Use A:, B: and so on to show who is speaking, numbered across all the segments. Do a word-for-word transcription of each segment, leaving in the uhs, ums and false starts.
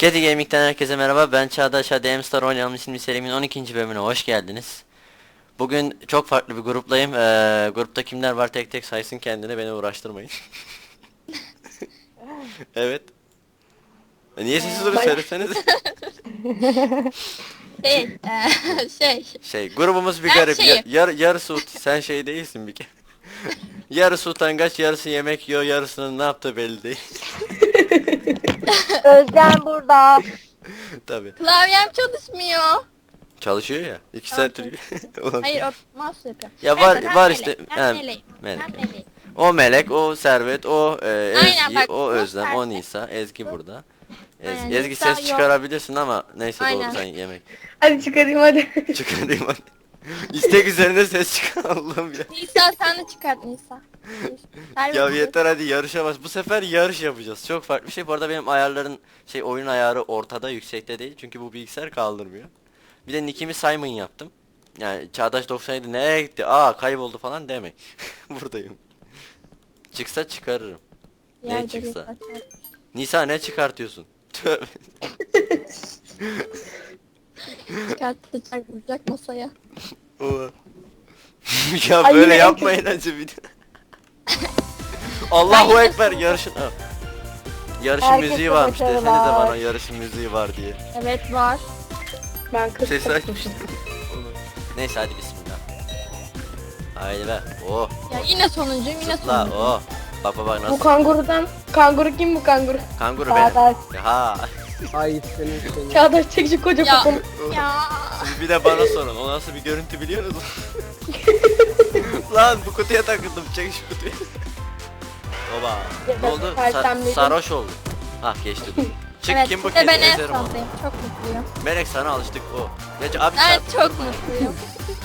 A: Kedi Gaming'den herkese merhaba. Ben Çağdaş Hadi Star oynayalım isimli serimin on ikinci bölümüne hoş geldiniz. Bugün çok farklı bir gruplayım. Ee, grupta kimler var tek tek saysın kendine, beni uğraştırmayın. Evet. E, niye sessiz duruyor, söyleseniz.
B: Şey, eee, şey.
A: Şey, grubumuz bir
B: Ben
A: garip. Ya,
B: şeyim.
A: yar, yarısı ut, sen şey değilsin bir kere. Yarısı utangaç, yarısı yemek yiyor, yarısının ne yaptığı belli değil.
C: Özlem burada.
A: Tabi.
B: Klavyem çalışmıyor.
A: Çalışıyor ya. İki
B: Tamam,
A: saattir. Ulan.
B: Hayır, o mouse yapıyor.
A: Ya var
B: Neyse, ben
A: var
B: melek,
A: işte.
B: Ben
A: Ha,
B: meleğim.
A: melek.
B: Ben meleğim.
A: O Melek, o Servet, o e,
B: Aynen,
A: Ezgi,
B: bak,
A: o
B: bu
A: Özlem, o
B: Servet.
A: Nisa, Ezgi burada. Ez-
B: Aynen,
A: Ezgi
B: Nisa
A: ses
B: yok.
A: çıkarabilirsin ama neyse,
B: Aynen.
A: doğru, sen yemek.
C: Hadi çıkarayım hadi.
A: Çıkarayım hadi. İstek üzerine ses çıkar Allah'ım ya.
B: Nisa sen de çıkart Nisa. Servet
A: Ya
B: dur.
A: yeter hadi, yarışa bas. Bu sefer yarış yapacağız. Çok farklı bir şey. Bu arada benim ayarların şey oyun ayarı ortada, yüksekte değil. Çünkü bu bilgisayar kaldırmıyor. Bir de nickimi Simon yaptım. Yani Çağdaş doksan yedi nereye gitti? Aa, kayboldu falan demek. Buradayım. Çıksa çıkarırım. Ne
B: Yerde
A: çıksa?
B: bir saç.
A: Nisa ne çıkartıyorsun? Tövbe.
B: Çıkartacak, vuracak masaya.
A: Oha. Ya
C: Ay,
A: böyle
C: yine
A: yapmayın acı bir de. Allahu
B: Ben
A: Ekber,
B: yine-
A: yarışın. Ha. Yarışın
C: Herkese
A: müziği varmış, desenize
C: başarılar.
A: bana yarışın müziği var diye.
B: Evet var.
C: Ben kız
A: Ses açmıştım. Neyse hadi bismillah. Haydi be. Oh.
B: Ya yine sonuncuyum, yine
A: Zıpla.
B: sonuncuyum.
A: Oh. Bak bak bak
C: Bu
A: nasıl.
C: kangurudan. Kanguru kim bu kanguru?
A: Kanguru
C: Çağdaş.
A: benim. Ha.
D: Ay senin senin.
C: Çağdaş çekici koca
B: Ya,
C: poponu.
B: ya.
A: Şimdi bir de bana sorun. O nasıl bir görüntü biliyor musun? Lan bu kutuya takıldım. Çek şu kutuyu. Oba.
C: Ya
A: Ne
C: ben
A: oldu? Sa-
C: sersemledim.
A: sarhoş oldu. Ah, geçti. Çık,
B: Evet,
A: kim bu
B: bir de
A: kedi?
B: ben en
A: Ezerim onu.
B: sondayım. Çok mutluyum.
A: Melek, sana alıştık o. Ya abi
B: Ben
A: çarp-
B: çok mutluyum.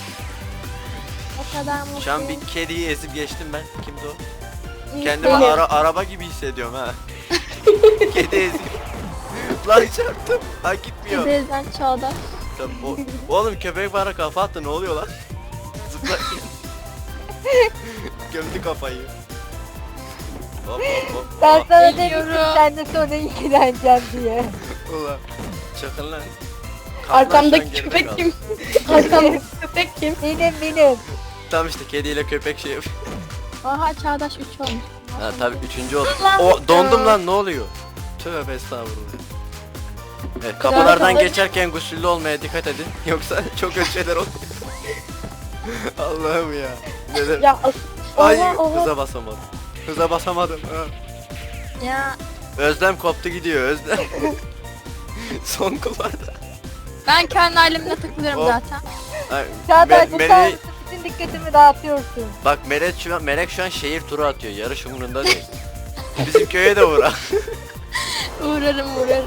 B: O kadar mutluyum.
A: Şu an bir kediyi ezip geçtim ben. Kimdi o?
B: İyi,
A: Kendimi
C: Benim.
A: ara araba gibi hissediyorum ha. Kedi eziyor. Lan çarptım. Ha, gitmiyor.
B: Teyzen Çağdaş.
A: Tabii, o- oğlum köpek bana kafa attı, ne oluyor lan? Zıplarken. Gömdü kafayı. Hop hop hop.
C: Ben
A: Oh,
C: sana
B: Geliyorum.
C: demiştim sen de sonra ilgileneceğim diye.
A: ulan. Çakın lan. Kaplan
C: Arkamdaki
A: şu an geride
C: köpek
A: kaldı.
C: kim? Arkamdaki köpek kim? Benim benim.
A: Tam işte kediyle köpek şey yapıyor.
B: Aha Çağdaş üç olmuş.
A: Ha tabii üçüncü oldu.
B: Lan.
A: O dondum lan, ne oluyor? Tövbe estağfurullah. Evet, kapılardan
C: Güzel.
A: geçerken gusüllü olmaya dikkat edin. Yoksa çok kötü şeyler oluyor. Allah'ım ya. Neden?
C: Ya
A: Ay,
C: oha oha.
A: hıza basamadım. Hıza basamadım. Ha.
B: Ya
A: Özlem koptu gidiyor, Özlem. Son kulvarda.
B: ben kendi halimle takılıyorum
A: Hop.
B: zaten.
A: Ay,
C: Çağdaş
A: Me-
C: bu
A: Mele-
C: sen bütün dikkatimi dağıtıyorsun.
A: Bak Melek şu an, Melek şu an şehir turu atıyor. Yarış umurunda değil. Bizim köye de uğra.
B: Uğrarım uğrarım.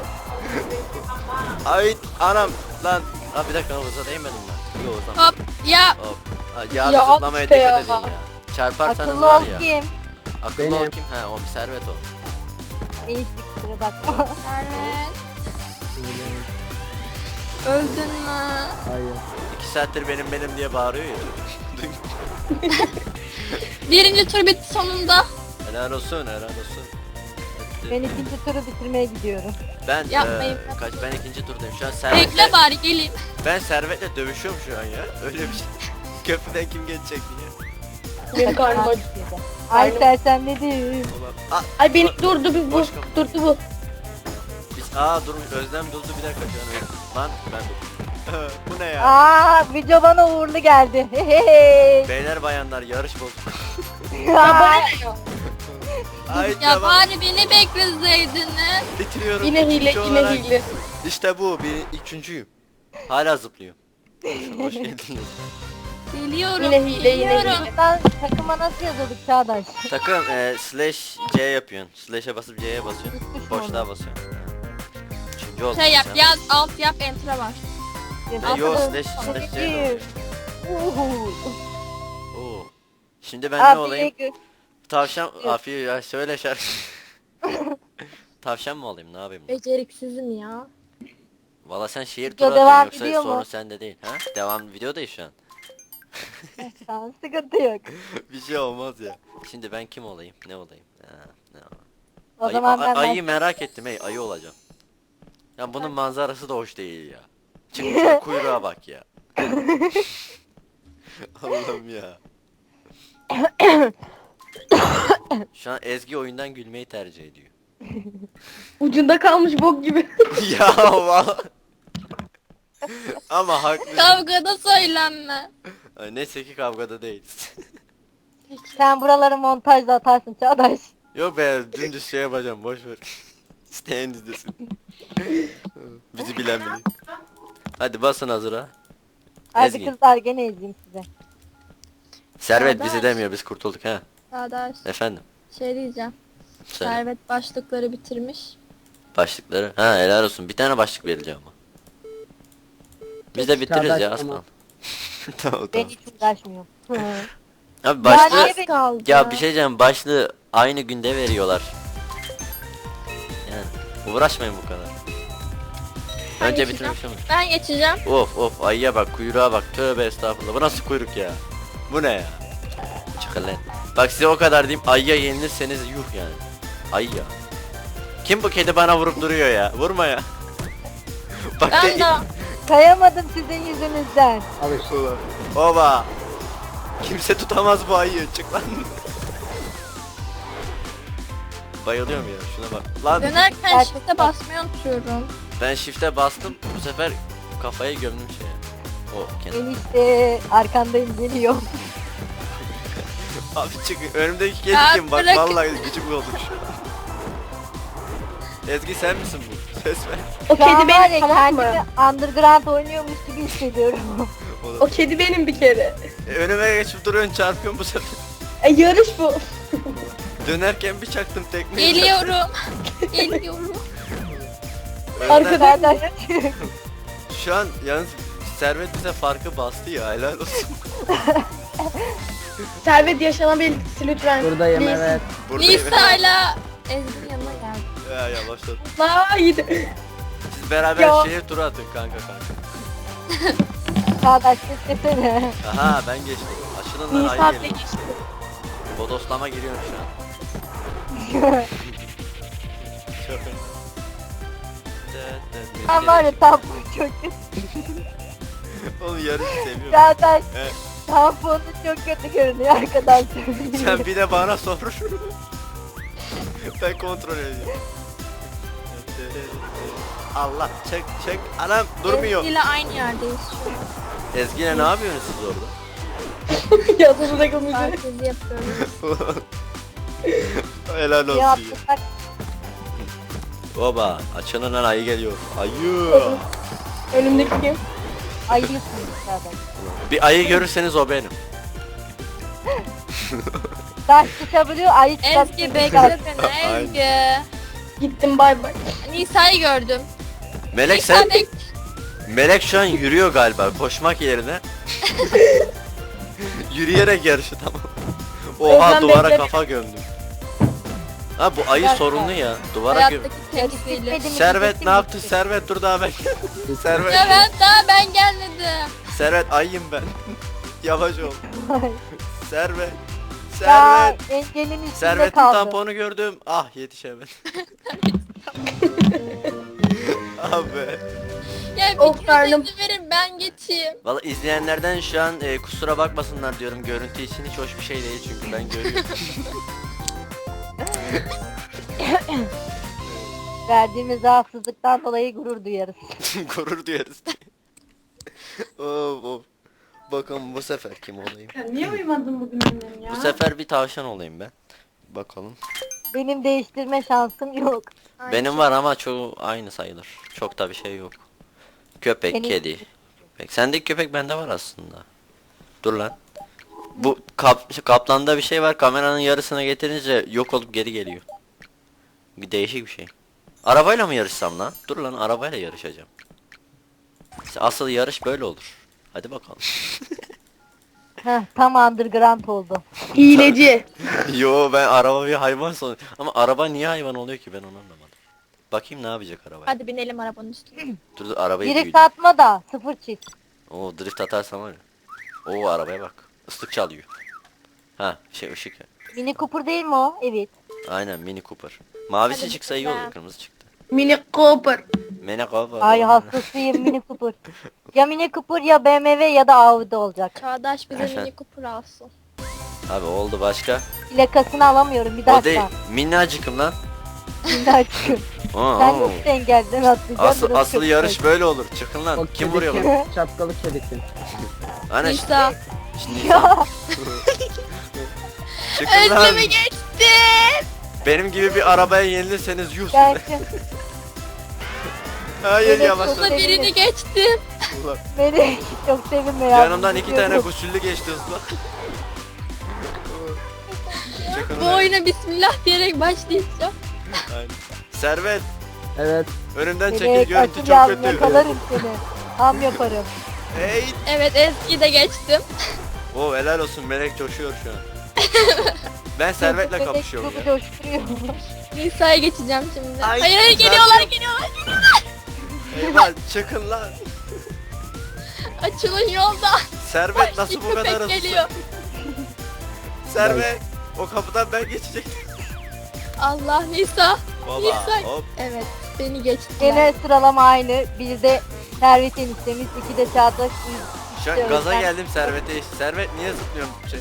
A: Ay anam lan. Ha bir dakika, hıza değmedim ben. Yok o zaman.
B: Hop ya
A: Hop. Ha, ya
C: Ya
A: zıplamaya
C: işte
A: dikkat
C: ya.
A: edin ya. Çarparsanız
C: Akıllı
A: var
C: ol
A: ya.
C: kim?
A: Akıllı ol
D: Benim.
A: kim? Ha, o bir Servet o.
C: İyi kusura bakma.
B: Servet. Öldün mü?
D: Hayır.
A: İki saattir benim benim diye bağırıyor ya.
B: Birinci tur bitti sonunda.
A: Helal olsun, helal olsun. Hadi.
C: Ben ikinci turu bitirmeye gidiyorum.
A: Ben
B: Yapmayın.
A: eee, kaç ben ikinci turdayım. Şu an Servet'le
B: Bekle bari geleyim.
A: ben Servet'le dövüşüyorum şu an ya. Öyle bir şey. Köprüden kim geçecek diye.
C: Benim karnım acıktı. Ay sersemledim.
A: Ulan. Aa,
C: Ay beni
A: Boş-
C: durdu bir bu.
A: boş kapı.
C: Durdu bu.
A: biz aa dur, Özlem durdu bir dakika şu an öyle. Lan ben durdum. Bu ne ya?
C: Aa video bana uğurlu geldi. Hehehe.
A: Beyler bayanlar, yarış bozuk.
C: Ay,
A: Ay
B: Ya
A: tamam.
B: bari beni bekleseydiniz.
A: Bitiriyorum.
C: Yine hile
A: üçüncü
C: yine
A: olarak.
C: hile.
A: İşte bu, bir üçüncüyüm. Hala zıplıyor. Hoş geldiniz.
B: Geliyorum.
C: Yine hile yine
B: geliyorum.
C: hile. Ben takıma nasıl yazıyorduk Çağdaş?
A: Takım e, slash C yapıyorsun. Slash'e basıp C'ye basıyorsun.
C: Üstüş mü
A: Boşluğa
C: olur?
A: basıyorsun. Üçüncü oldun
B: Şey yap
A: sen.
B: yaz alt yap enter'a var.
A: E, yo, slash slash C de oluyor.
C: Uhu.
A: Oo. Şimdi ben ne
C: Abi
A: olayım?
C: gö-
A: Tavşan, afiye ya söyle şarkı. Tavşan mı olayım, ne yapayım?
B: Beceriksizim ya.
A: Valla sen şehir
C: Video
A: turu
C: devam
A: atıyorsun,
C: ediyor
A: yoksa
C: mu?
A: sorun sende değil. Ha? Devam videodayız şu an.
C: Tamam sıkıntı yok.
A: Bir şey olmaz ya. Şimdi ben kim olayım? Ne olayım? Ha, ne olayım?
C: O
A: Ayı,
C: zaman
A: a-
C: ben
A: ayıyı merak ettim, hey ayı olacağım. Ya bunun manzarası da hoş değil ya. Çıkmış kuyruğa bak ya. Allah'ım ya. Şu an Ezgi oyundan gülmeyi tercih ediyor.
B: Ucunda kalmış bok gibi.
A: Ya vallahi. Ama haklı.
B: Kavgada söylenme.
A: Ay, neyse ki kavgada değiliz.
C: Sen buraları montajda atarsın Çağdaş.
A: Yok be dümdüz şey yapacağım boş ver. İsteyen izlesin. Bizi bilen biliyor. Hadi basın hazıra.
C: Hadi
A: Ezgi.
C: kızlar gene ezeyim size.
A: Servet
B: Çağdaş.
A: bizi demiyor biz kurtulduk ha.
B: Çağdaş
A: Efendim.
B: şey diyeceğim.
A: Söyle.
B: Servet başlıkları bitirmiş.
A: Başlıkları. Ha helal olsun. Bir tane başlık vereceğim ama. Biz de bitiririz
D: Çağdaş
A: ya az
D: ama.
A: kaldı. Tamam
C: Ben
A: tamam.
C: hiç uğraşmıyorum.
A: Abi başlığı
C: Yani-
B: Az kaldı.
A: ya bir şey diyeceğim başlığı aynı günde veriyorlar. Yani uğraşmayın bu kadar.
B: Ben
A: Önce
B: geçeceğim.
A: bitirmiş ama.
B: Ben geçeceğim.
A: Of of ayıya bak kuyruğa bak tövbe estağfurullah bu nasıl kuyruk ya. Bu ne ya. Çıkın lan. Bak size o kadar diyeyim ayıya yenilirseniz yuh yani. Ayı ya. Kim bu kedi bana vurup duruyor ya vurma ya. Bak
B: Ben de
C: Kayamadım sizin yüzünüzden.
D: Al işte.
A: Oba. Kimse tutamaz bu ayıyı çık lan. Bayılıyorum ya şuna bak. Lan
B: dönerken
C: Gerçekten.
B: shift'e basmayı unutuyorum.
A: ben shift'e bastım bu sefer kafayı gömdüm şeye. O kenar.
C: Enişte arkandayım geliyorum.
A: Abi çıkın önümdeki kedi
B: Ya
A: kim bak
B: bırak.
A: vallahi gıcık oldum şu an. Ezgi sen misin bu? Ses ver.
B: O
C: Şu an
B: kedi
C: var
B: benim
C: ya
B: tamam mı?
C: kendimi underground oynuyormuş gibi hissediyorum.
A: O da-
B: O kedi benim bir kere.
A: E, önüme geçip duruyorsun çarpıyorsun bu sefer.
B: E, yarış bu.
A: Dönerken bir çaktım tekmeyi.
B: Geliyorum. Geliyorum.
A: Önden-
B: Arkada-
C: Çağdaş
A: Şu an yalnız Servet bize farkı bastı ya helal olsun.
B: Servet yaşanabilirsin lütfen.
D: Buradayım evet.
A: Buradayım.
B: Nisa'yla Ezgi'nin yanına geldi.
A: Ya yavaşladım.
B: Haydi.
A: Siz beraber
B: Ya.
A: şehir turu atın kanka kanka.
C: Çağdaş beklesene.
A: Aha ben geçtim. Aşının lan
B: Nisa
A: ayı
B: bile
A: geliyor.
B: geçti.
A: Bodoslama giriyorum şu an. Çok
C: Ben var ya tamponu çok kötü.
A: Oğlum yarışı seviyorum.
C: Çağdaş
A: Evet.
C: tamponu çok kötü görünüyor arkadaşlar.
A: Sen bir de bana sor. Ben kontrol ediyorum. Allah çek çek anam durmuyor.
B: Ezgi'yle aynı yerdeyiz şu an.
A: Ezgi'yle ne yapıyorsunuz siz orada?
B: Yazımıza kalmışız. Herkesi yapıyoruz.
A: Helal olsun
C: Ya
A: ya.
C: atlasak
A: Oba açının lan ayı geliyor. Ayı.
B: Önümdeki kim?
C: ayıyorsunuz Çağdaş.
A: Bir ayı görürseniz o benim.
C: Taş çıkabiliyor ayı çıkabiliyor.
B: Ezgi bekle beni
A: Aynen.
B: Ezgi. Gittim bay bay. Nisa'yı gördüm.
A: Melek
B: Nisa
A: sen
B: bek-
A: Melek şu an yürüyor galiba koşmak yerine. Yürüyerek yarışı tamam. Oha
B: Özlem
A: duvara
B: bekle.
A: kafa gömdüm. Ha bu ayı
C: Gerçekten.
A: sorunlu ya. Duvara göm.
B: Hayattaki temsili.
C: Benim
A: Servet
C: için
A: ne yaptın?
C: bitti.
A: Servet dur daha ben. Servet.
B: Evet daha ben gelmedim.
A: Servet ayıyım ben. Yavaş ol. Servet.
C: Ya
A: Servet.
C: engelin üstünde
A: Servet'in
C: kaldı.
A: tamponu gördüm. Ah yetişemedim. Ah be.
B: Gel Of, bir karnım. kere verin ben geçeyim.
A: Valla izleyenlerden şu an e, kusura bakmasınlar diyorum. Görüntü için hiç hoş bir şey değil çünkü ben görüyorum.
C: Verdiğimiz rahatsızlıktan dolayı gurur duyarız.
A: Gurur duyarız. Of of. Bakalım bu sefer kim olayım?
B: Niye uyumadın bugün annem ya?
A: Bu sefer bir tavşan olayım ben. Bakalım.
C: Benim değiştirme şansım yok.
A: Benim var ama çoğu aynı sayılır. Çok da bir şey yok. Köpek,
C: Benim-
A: kedi. Köpek. Sendeki köpek bende var aslında. Dur lan. Bu kap kaplanda bir şey var. Kameranın yarısına getirince yok olup geri geliyor. Bir değişik bir şey. Arabayla mı yarışsam lan? Dur lan arabayla yarışacağım. İşte asıl yarış böyle olur. Hadi bakalım.
C: Heh, tam underground oldu.
B: Hileci.
A: Yo ben araba bir hayvan son. Ama araba niye hayvan oluyor ki ben onu anlamadım. Bakayım ne yapacak araba.
B: Hadi binelim arabanın üstüne.
A: Dur dur arabayı
C: Drift
A: büyüdüm.
C: atma da sıfır çiz.
A: Oo drift atarsam var ya. Oo arabaya bak. Islık çalıyor. Ha şey ışık.
C: Mini Cooper değil mi o? Evet.
A: Aynen Mini Cooper. Mavisi
B: Hadi
A: çıksa iyi olur
B: bakalım.
A: kırmızı çıktı.
E: Mini Cooper.
A: Mene kafa.
C: Ay hastasıyım Mini Cooper. Ya Mini Cooper ya B M W ya da Audi olacak.
B: Çağdaş bize
A: Efendim?
B: Mini Cooper alsın.
A: Abi oldu başka.
C: Plakasını alamıyorum bir
A: O değil.
C: dakika.
A: Minnacıkım lan.
C: Şimdi açıyorum.
A: Aa,
C: Sen
A: aa.
C: nasıl engelden atlayacaksın?
A: Asıl,
C: Burası
A: asıl
C: çok
A: yarış
C: zor.
A: böyle olur. Çıkın lan.
D: O
A: Kim vuruyor
D: kediki,
A: lan?
D: Şapkalı kediki.
A: Hani
B: Nisa.
A: şimdi
C: Ya
A: çıkın lan.
B: Özlem'i geçtim.
A: Benim gibi bir arabaya yenilirseniz yuh
C: ben
A: size.
C: şimdi
A: Hayır
C: Evet,
A: yavaşladım.
B: Burada birini geçtim.
A: Ulan,
C: beni çok sevinme ya.
A: yanımdan iki tane
C: Biliyorum.
A: gusüllü geçti hızla. Çıkın
B: Bu
A: lan.
B: oyuna bismillah diyerek başlayacağım.
A: Aynen. Servet.
D: Evet.
A: Önümden çekil,
C: Melek
A: görüntü çok
C: açacağım,
A: kötü.
C: yakalarım seni. Tam yaparım.
A: Hey.
B: Evet Ezgi'yi de geçtim.
A: Oo helal olsun, Melek coşuyor şu an. Ben Servet'le
C: Bebek
A: kapışıyorum
C: çok
A: ya.
C: coşturuyor.
B: Nisa'ya geçeceğim şimdi.
A: Ay,
B: hayır hayır
A: güzel
B: geliyorlar
A: yok.
B: geliyorlar.
A: Eyvah çıkın lan.
B: Açılın yolda.
A: Servet nasıl bu
B: Köpek
A: kadar hızlı?
B: geliyor.
A: Servet. O kapıdan ben geçecektim.
B: Allah Nisa.
A: Baba
B: Nisa.
A: hop.
B: Evet beni geçti.
C: Gene sıralama aynı. Bizde Servet eniştemiz, iki de Çağdaş. üç
A: Şu
C: de
A: an gaza
C: Özlem.
A: geldim Servet'e. Servet niye zıplıyorsun? Şey.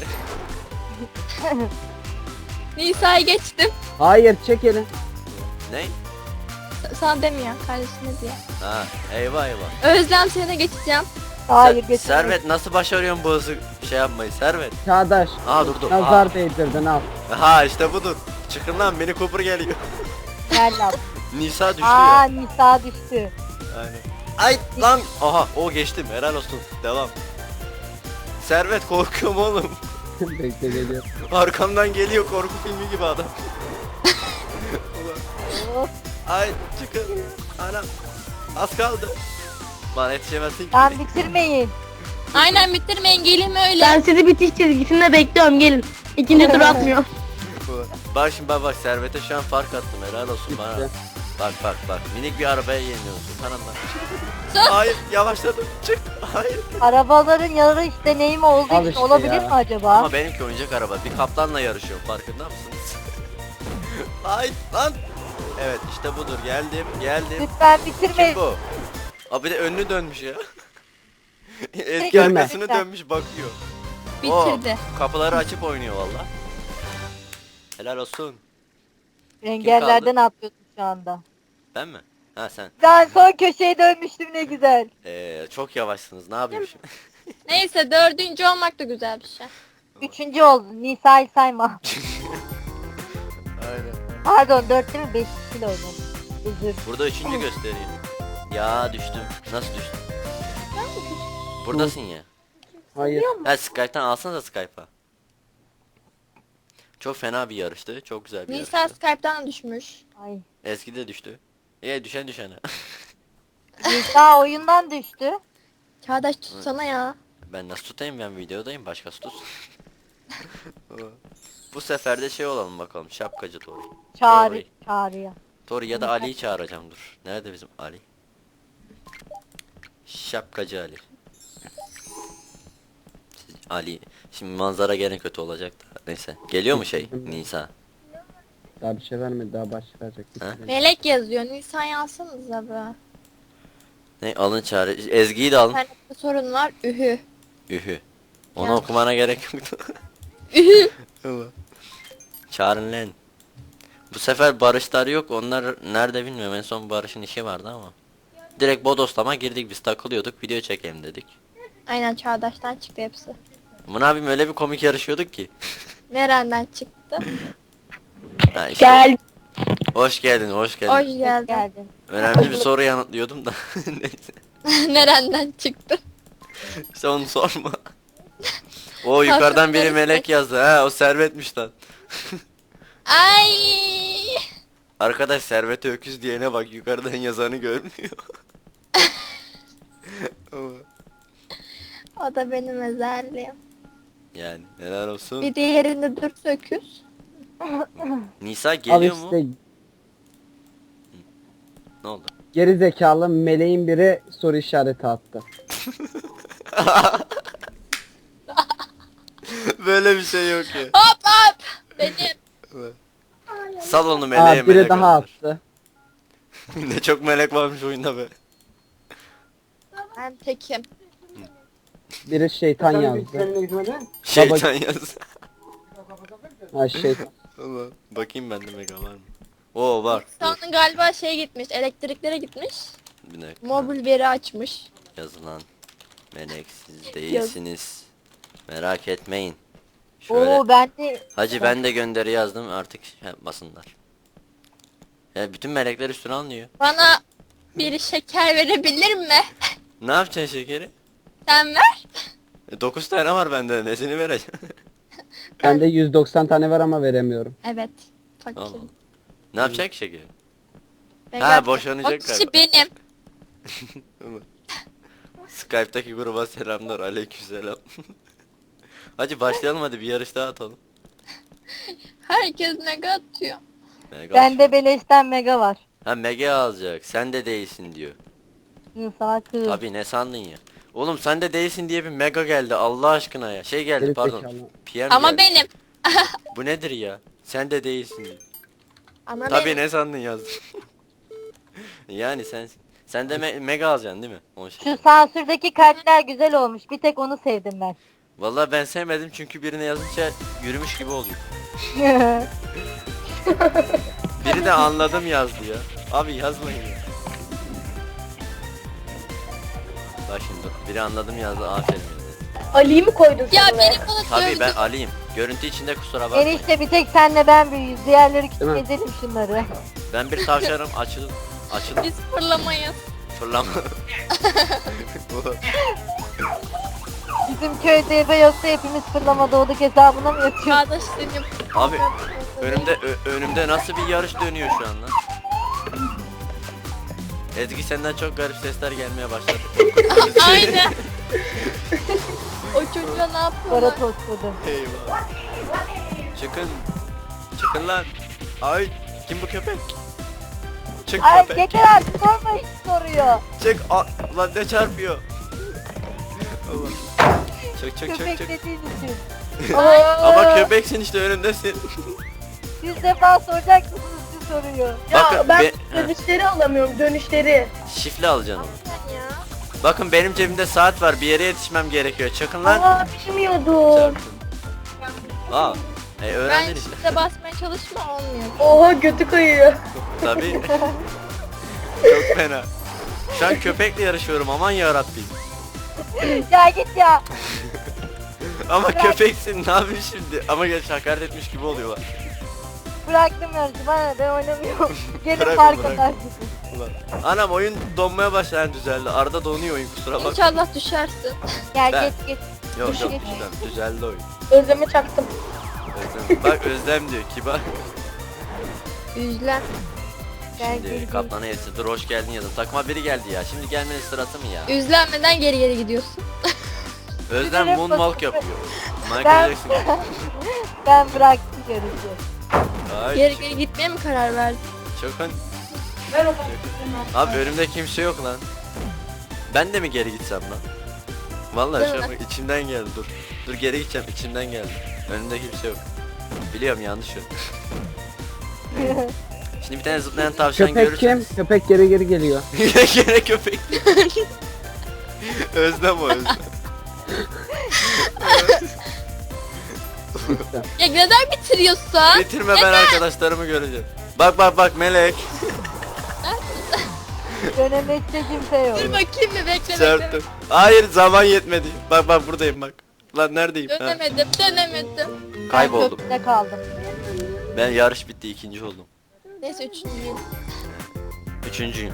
B: Nisa'yı geçtim.
D: Hayır çek elini.
A: Ne?
B: S- Sana demiyor kardeşine diye.
A: Ha eyvah eyvah.
B: Özlem seni geçeceğim.
C: Hayır
A: Ser-
C: getirmeyin.
A: Servet nasıl başarıyorsun bu hızı şey yapmayı Servet?
D: Çağdaş.
A: Aa durdu.
D: Nazar değdirdin al.
A: Ha işte budur. Çıkın lan, Mini Cooper geliyor.
C: Gel lan.
A: Nisa düştü
C: Aa
A: ya.
C: Nisa düştü.
A: Aynen. Ay lan. Aha o geçtim, helal olsun. Devam. Servet korkuyorum oğlum.
D: Bekle geliyor.
A: Arkamdan geliyor korku filmi gibi adam. Ulan.
C: Hop.
A: Ay çıkın. Anam. Az kaldı. Bana yetişemezsin ki.
C: Lan bitirmeyin.
B: Aynen bitirmeyin gelin öyle.
E: Ben sizi bitiş çizgisinde bekliyorum gelin. İkinci tur atmıyor.
A: Ulan. Bak şimdi bak bak Servet'e şu an fark attım, helal olsun bana.
D: Bitti.
A: Bak bak bak minik bir arabaya yeniliyorsun kanımdan. Hayır yavaşladım, çık. Hayır.
C: Arabaların yarış deneyimi olduğu
D: Al
C: için
D: işte
C: olabilir
D: ya.
C: mi acaba?
A: Ama benimki oyuncak araba, bir kaplanla yarışıyorum, farkında mısınız? Ay lan. Evet işte budur, geldim geldim.
C: Lütfen
A: Kim
C: bitirmeyin.
A: bu? Abi de önünü dönmüş ya. Eski
C: Girme.
A: arkasını dönmüş bakıyor.
B: Bitirdi.
A: Oo, kapıları açıp oynuyor valla. Helal olsun.
C: Engellerden atlıyorsun şu anda.
A: Ben mi? Ha sen.
C: Ben son köşeye dönmüştüm ne güzel.
A: Ee, çok yavaşsınız, ne yapayım şimdi?
B: Neyse dördüncü olmak da güzel bir şey.
C: Üçüncü oldun. Nisa'yı sayma.
A: Aynen.
C: Pardon dört değil mi? Beş kilo oldum. Özür.
A: Burada üçüncü gösteriyor. Ya düştüm. Nasıl düştüm? Buradasın ya.
D: Hayır.
A: Ya Skype'tan alsanıza Skype'a. Çok fena bir yarıştı. Çok güzel bir
B: Nisa
A: yarıştı.
B: Skype'dan da düşmüş.
C: Ay.
A: Eski de düştü. E düşen düşene.
C: Nisa oyundan düştü.
B: Çağdaş tutsana ya.
A: Ben nasıl tutayım, ben videodayım, başkası tutsun. Bu sefer de şey olalım bakalım, şapkacı Tori.
C: Çağrı.
A: Tori.
C: Çağrıya.
A: Tori ya da Ali'yi çağıracağım, dur. Nerede bizim Ali? Şapkacı Ali. Ali. Şimdi manzara gene kötü olacak da. Neyse. Geliyor mu şey? Nisa.
D: Daha bir şey vermedi daha baş verecek.
A: Ha?
B: Melek yazıyor. Nisa'yı alsanıza be.
A: Ne alın çağrı. Ezgi'yi de alın.
B: İnternette sorun var. Ühü.
A: Ühü. Onu
B: Ya.
A: okumana gerek yoktu.
B: Ühü.
A: Çağırın lan. Bu sefer Barışlar yok. Onlar nerede bilmiyorum. En son Barış'ın işi vardı ama. Direkt bodoslama girdik, biz takılıyorduk. Video çekelim dedik.
B: Aynen Çağdaş'tan çıktı hepsi.
A: Aman abim öyle bir komik yarışıyorduk ki.
B: Nereden çıktı?
A: Ha, işte-
E: Gel.
A: Hoş geldin, hoş geldin.
B: Hoş
C: Hoş
B: geldin.
C: geldin.
A: Önemli bir soru yanıtlıyordum da. Neyse.
B: Nereden çıktı?
A: İşte onu sorma. O yukarıdan biri melek yazdı. Ha o Servet'miş lan.
B: Ay!
A: Arkadaş Servet'e öküz diyene bak, yukarıdan yazanı görmüyor.
B: O da benim özelliğim.
A: Yani helal olsun.
B: Bir diğerinde dur söküz.
A: Nisa
D: Al
A: geliyor mu?
D: işte
A: Ne oldu?
D: geri zekalı meleğin biri soru işareti attı.
A: Böyle bir şey yok ya.
B: Hop hop! Benim.
A: Sal onu
D: Aa
A: meleğe,
D: biri
A: melek
D: daha
A: alır.
D: attı.
A: Ne çok melek varmış oyunda be.
B: Ben tekim.
D: Biri şeytan yazdı.
A: Şeytan yaz.
D: Ha şeytan.
A: Allah. Bakayım bende mega var mı? Oo var. Dur.
B: Sonra galiba şey gitmiş, elektriklere gitmiş.
A: Bir dakika.
B: Mobil veri açmış.
A: Yazılan. Melek siz değilsiniz. Merak etmeyin. Şöyle.
C: Oo ben de
A: Hacı ben de gönderi yazdım artık he, basınlar. Ya bütün melekler üstüne alınıyor.
B: Bana bir şeker verebilir mi?
A: Ne yapacaksın şekeri?
B: Sen ver.
A: E, dokuz tane var bende, nesini vereceğim?
D: Bende yüz doksan tane var ama veremiyorum.
B: Evet. Fakir.
A: Allah. Ne yapacak ki şekeri?
B: Ben
A: Ha,
B: zaten-
A: boşanacak
B: O kişi
A: galiba.
B: benim.
A: Skype'daki gruba selamlar, aleykümselam. Hacı başlayalım, hadi bir yarış daha atalım.
B: Herkes mega atıyor.
A: Mega
C: bende beleşten mega var.
A: Ha mega alacak, sen de değilsin diyor.
C: Hı, sana kız.
A: Tabi ne sandın ya? Oğlum sen de değilsin diye bir mega geldi Allah aşkına ya. Şey geldi
D: Geri
A: pardon.
D: zekalı.
A: P M
B: Ama
A: geldi.
B: benim.
A: Bu nedir ya? Sen de değilsin diyor.
B: Ama
A: Tabi
B: benim.
A: ne sandın yazdın. Yani sen sen de me- mega alacaksın değil mi? O şey.
C: Şu sansürdeki kalpler güzel olmuş. Bir tek onu sevdim ben.
A: Vallahi ben sevmedim çünkü birine yazınca yürümüş gibi oluyor. Biri de anladım yazdı ya. Abi yazmayın ya. Bak şimdi biri anladım yazdı, aferin.
E: Ali'yi mi koydun
B: Ya
E: sen oraya?
B: benim bana
A: Tabii
B: dövdü.
A: ben Ali'yim. Görüntü içinde kusura bakmayın.
C: Enişte bir tek senle ben büyüyüz. Diğerleri küçük
D: Değil mi?
C: edelim şunları.
A: Ben bir tavşanım, açıl açıl
B: Biz fırlamayız.
A: fırlama.
C: Bizim köyde eve yoksa hepimiz fırlama doğduk hesabına mı yatıyoruz?
B: Çağdaş seni.
A: Abi önümde ö- önümde nasıl bir yarış dönüyor şu an lan? Ezgi senden çok garip sesler gelmeye başladı.
B: Aynen. O çocuğa ne
C: Para
B: yapıyorlar?
C: tosladı.
A: Eyvah. Çıkın. Çıkın lan. Ay kim bu köpek? Çık
C: Ay
A: köpek.
C: yeter artık sorma hiç soruyor.
A: Çık. Aa, lan ne çarpıyor? Allah. Çık çık çık
C: Köpek
A: çık.
C: dediğin için.
A: Ama köpeksin işte önümdesin.
C: Yüz defa soracak mısınız siz soruyor.
E: Ya
A: Bakın,
E: ben
A: be-
E: dönüşleri alamıyorum dönüşleri.
A: Şifle alacaksın onu.
B: Sen ya.
A: Bakın benim cebimde saat var. Bir yere yetişmem gerekiyor. Çakın lan.
E: Aa bilmiyordum.
A: Çarptın. Aa. E
B: Ben
A: öğrendin işte.
B: işte basmaya çalışma olmuyor.
E: Oha götü kayıyor.
A: Tabii. Çok fena. Şu an köpekle yarışıyorum, aman yarabbim.
C: Ya git ya.
A: Ama
C: Bırak.
A: köpeksin, ne yapayım şimdi? Ama geç hakaret etmiş gibi oluyorlar.
C: Bıraktım yarışı bana ne, ben oynamıyorum. Gelin
A: Bırak,
C: park
A: bırak.
C: atarsınız.
A: Ulan. Anam oyun donmaya başlayan düzeldi. Arada donuyor oyun, kusura bak.
B: İnşallah düşersin.
C: Gel
A: Ben-
C: geç geç.
A: Yok yok
C: Geç.
A: düzeldi, düzeldi oyun.
E: Özleme çaktım.
A: Özlem. Bak Özlem diyor, kibar.
B: Üzlen.
C: Gel
A: Şimdi
C: gel.
A: kaplana yetsi, dur hoş geldin yazın. Takma biri geldi ya, şimdi gelmenin sırası mı ya?
B: Üzlenmeden geri geri gidiyorsun.
A: Özlem
C: Sinirim
A: moonwalk
C: bozuldu.
A: yapıyor. Michael
C: Ben,
A: Jackson.
C: ben bıraktım yarışı.
A: Ay,
B: Geri geri gitmeye mi karar verdin?
A: Çakın.
E: Ver o
A: Abi önümde kimse yok lan. Ben de mi geri gitsem lan? Vallahi şu an bak içimden geldi, dur. Dur geri gideceğim, içimden geldi. Önümde kimse yok. Biliyorum yanlış yok. Şimdi bir tane zıplayan tavşan
D: Köpek kim?
A: görürseniz.
D: Köpek geri geri geliyor.
A: Gene köpek. Özlem o Özlem.
B: Ya neden bitiriyorsun?
A: Bitirme, ben arkadaşlarımı göreceğim. Bak bak bak melek.
C: Dönemezse kimse yok.
B: Dur bakayım bir bekle bekle.
A: Çarptım. Hayır zaman yetmedi. Bak bak buradayım bak. Lan neredeyim? Ha,
B: Dönemedim dönemedim.
A: kayboldum.
C: Ben köprüde kaldım.
A: Ben yarış bitti, ikinci oldum.
B: Neyse üçüncüyüm.
A: Üçüncüyüm.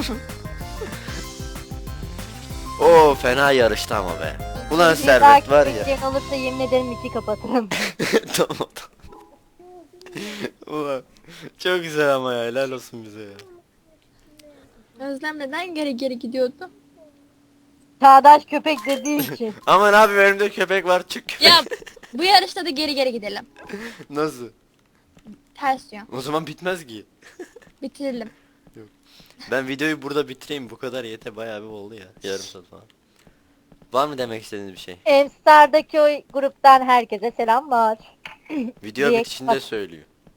A: Oo fena yarıştı ama be. Ulan
C: Bir
A: servet
C: dahaki
A: var ya.
C: bekleyen olursa yemin ederim iki kapatırım.
A: Tamam tamam. Ulan çok güzel ama ya, helal olsun bize ya.
B: Özlem neden geri geri gidiyordu?
C: Çağdaş köpek dediği için.
A: Aman abi önümde köpek var, çık köpek.
B: Ya bu yarışta da geri geri gidelim.
A: Nasıl?
B: Ters yön.
A: O zaman bitmez ki.
B: Bitirelim.
A: Ben videoyu burada bitireyim, bu kadar yete, bayağı bir oldu ya. Yarım saat falan. Var mı demek istediğiniz bir şey?
C: Enstar'daki o gruptan herkese selamlar.
A: Video
C: Direkt
A: bitişinde
C: bak-
A: söylüyor.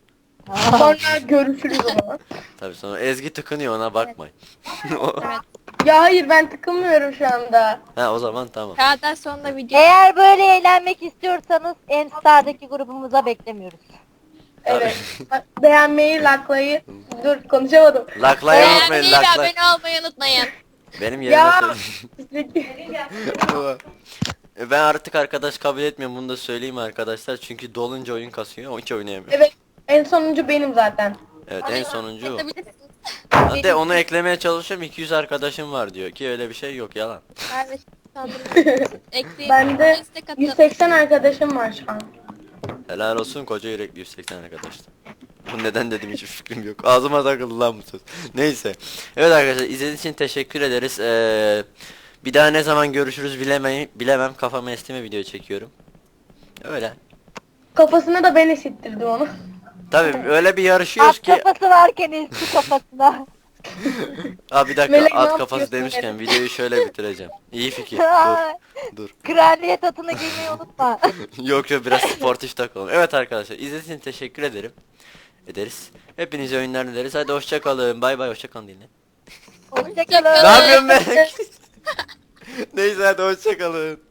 F: Sonra görüşürüz o zaman.
A: Tabii sonra Ezgi tıkınıyor, ona bakmayın. O-
B: Evet.
F: Ya hayır ben tıkılmıyorum şu anda.
A: ha o zaman tamam.
B: Çağdaş sonunda video.
C: Eğer böyle eğlenmek istiyorsanız Enstar'daki grubumuza beklemiyoruz.
F: Evet. Beğenmeyi, like'layı. Dur konuşamadım.
A: Laklaya unutmayın,
B: Beğenmeyi ve
A: lakla.
B: abone olmayı unutmayın.
A: Benim yerime
F: Ya.
A: söyle. E, Ben artık arkadaş kabul etmiyorum, bunu da söyleyeyim arkadaşlar. Çünkü dolunca oyun kasıyor, hiç oynayamıyorum.
F: Evet. En sonuncu benim zaten.
A: Evet, en sonuncu o.
B: Atabilirsiniz.
A: Hatta onu eklemeye çalışıyorum, iki yüz arkadaşım var diyor ki öyle bir şey yok, yalan.
B: Evet. Kaldırın. Ekleyin.
F: Bende
B: Destek atın.
F: yüz seksen arkadaşım var şu an.
A: Helal olsun koca yürekli yüz seksen arkadaşlar. Bu neden dedim hiçbir fikrim yok. Ağzıma takıldı lan bu söz. Neyse. Evet arkadaşlar, izlediğiniz için teşekkür ederiz. Ee, bir daha ne zaman görüşürüz bilemem, bilemem. Kafama estime video çekiyorum. Öyle.
F: Kafasına da ben esittirdim onu.
A: Tabii öyle bir yarışıyoruz
C: At
A: ki.
C: kafası varken eski kafasına.
A: Aa bir dakika,
F: Melek, ne
A: at
F: yapıyorsun
A: kafası demişken
F: Melek?
A: videoyu şöyle bitireceğim. İyi fikir. Dur. Dur.
C: Kraliyet atını giymeyi unutma.
A: Yok yok, biraz sportif takalım. Evet arkadaşlar, izlediğiniz için teşekkür ederim. Ederiz. Hepinize oyunlar dileriz. Hadi hoşça kalın. Bay bay, hoşça kalın dinle.
C: Hoşçakalın.
A: Ne yapıyorsun Melek? Neyse hadi hoşça kalın.